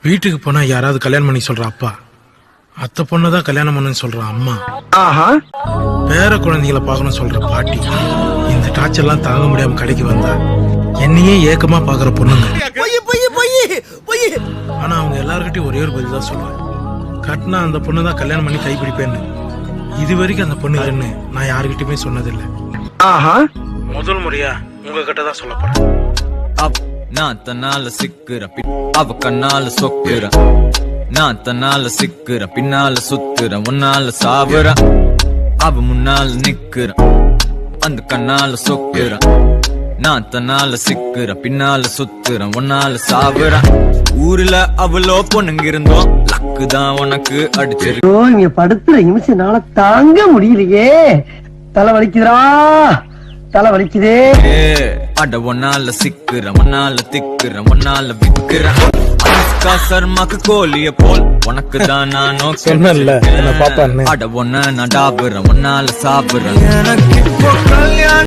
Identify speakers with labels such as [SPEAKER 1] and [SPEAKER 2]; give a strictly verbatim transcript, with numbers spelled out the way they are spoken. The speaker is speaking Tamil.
[SPEAKER 1] வீட்டுக்கு போனா யாராவது கல்யாணம் பண்ணி சொல்ற அப்பா, அத்தை பொண்ணுதான் கல்யாணம் பண்ணுன்னு சொல்ற அம்மா, பேர குழந்தைகளை பார்க்கணும் சொல்ற பாட்டி, இந்த டார்ச்சர் எல்லாம் தாங்க முடியாம கடைக்கு வந்தா என்னையே ஏக்கமா பாக்குற பொண்ணுங்க. ஆனா அவங்க எல்லார்கிட்டயும் ஒரே ஒரு பதில் தான் சொல்லுவேன், கட்டினா அந்த பொண்ணு தான் கல்யாணம் பண்ணி கைப்பிடிப்பேன்னு. இது வரைக்கும் அந்த பொண்ணு இல்லைன்னு நான் யாருகிட்டயுமே சொன்னதில்லை. முதல் முறையா உங்ககிட்ட தான் சொல்ல போறேன்.
[SPEAKER 2] நான் தன்னால சிக்குற அவ கண்ணால சொக்குற, நான் தன்னால சிக்குற பின்னால சுத்துற, உன்னால சாவுற அவ முன்னால நிக்குற, அந்த கண்ணால சொக்குற, நான் தன்னால சிக்குற பின்னால சுத்துற, உன்னால சாவுற. ஊர்ல அவ்வளோ பொண்ணுங்க இருந்தோம், லக்கு தான் உனக்கு அடிச்சிருக்கு.
[SPEAKER 3] இங்க படுத்துற நிமிஷம் தாங்க முடியலையே, தலை வலிக்குதுடா, தலை வலிக்குதே.
[SPEAKER 2] அட ஒன்னால சிக்குற, ஒன்னால திக்குற, ஒன்னால விக்குற. அனுஷ்கா சர்மாக்கு கோழிய போல் உனக்கு தான் நானோ
[SPEAKER 1] சொன்னேன்ல என்ன பாப்பான்னு.
[SPEAKER 2] அட ஒன்ன நான் டாபுற, ஒன்னால சாப்பிடுற. எனக்கு இப்போ கல்யாணம்